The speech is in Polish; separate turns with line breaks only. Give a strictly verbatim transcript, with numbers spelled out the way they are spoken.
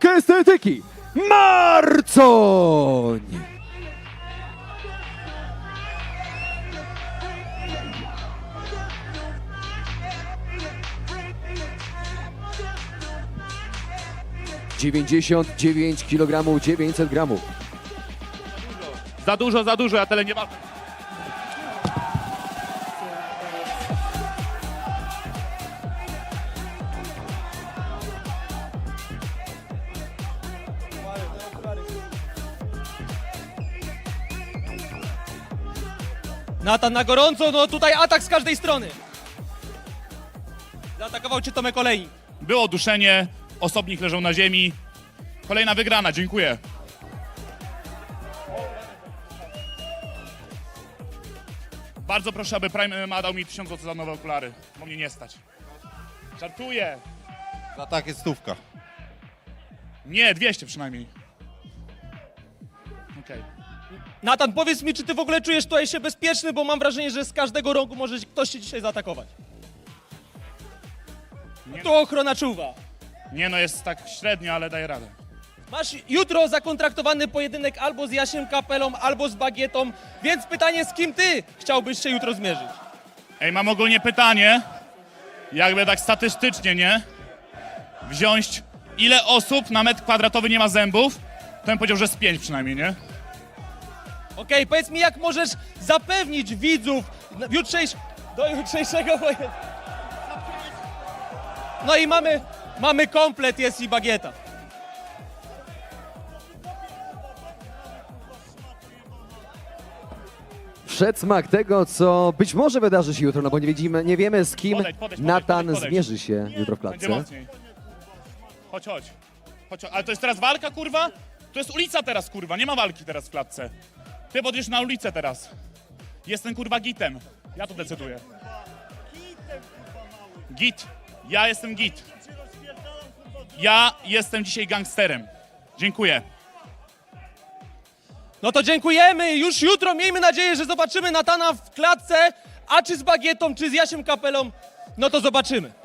sztuk estetyki Marcoń! dziewięćdziesiąt dziewięć kilogramów, dziewięćset gramów.
Za dużo, za dużo, ja tyle nie mam.
Natan na gorąco, no tutaj atak z każdej strony. Zaatakował cię Tomek Olejnik.
Było duszenie, osobnik leżał na ziemi. Kolejna wygrana, dziękuję. Bardzo proszę, aby Prime M M A dał mi tysiąc złotych za nowe okulary, bo mnie nie stać. Żartuję.
Za tak jest stówka.
Nie, dwieście przynajmniej. Okej.
Natan, powiedz mi, czy ty w ogóle czujesz tutaj się bezpieczny, bo mam wrażenie, że z każdego rogu może ktoś cię dzisiaj zaatakować.
Nie.
Tu ochrona czuwa.
Nie no, jest tak średnio, ale daję radę.
Masz jutro zakontraktowany pojedynek albo z Jasiem Kapelą, albo z Bagietą, więc pytanie, z kim ty chciałbyś się jutro zmierzyć?
Ej, mam ogólnie pytanie, jakby tak statystycznie, nie? Wziąć, ile osób na metr kwadratowy nie ma zębów, to bym powiedział, że z pięć przynajmniej, nie?
Okej, powiedz mi, jak możesz zapewnić widzów w jutrzejsz... do jutrzejszego pojedynku. No i mamy, mamy komplet, jest i Bagieta.
Przedsmak tego, co być może wydarzy się jutro, no bo nie, widzimy, nie wiemy, z kim
Podejdź, podejdź,
Natan
podejdź, podejdź.
zmierzy się jutro w
Będzie
klatce.
mocniej. Chodź, chodź. Chodź, chodź. Ale to jest teraz walka, kurwa? To jest ulica teraz, kurwa. Nie ma walki teraz w klatce. Ty podjesz na ulicę teraz. Jestem, kurwa, gitem. Ja to decyduję. Git. Ja jestem git. Ja jestem dzisiaj gangsterem. Dziękuję.
No to dziękujemy, już jutro miejmy nadzieję, że zobaczymy Natana w klatce, a czy z Bagietą, czy z Jasiem Kapelą, no to zobaczymy.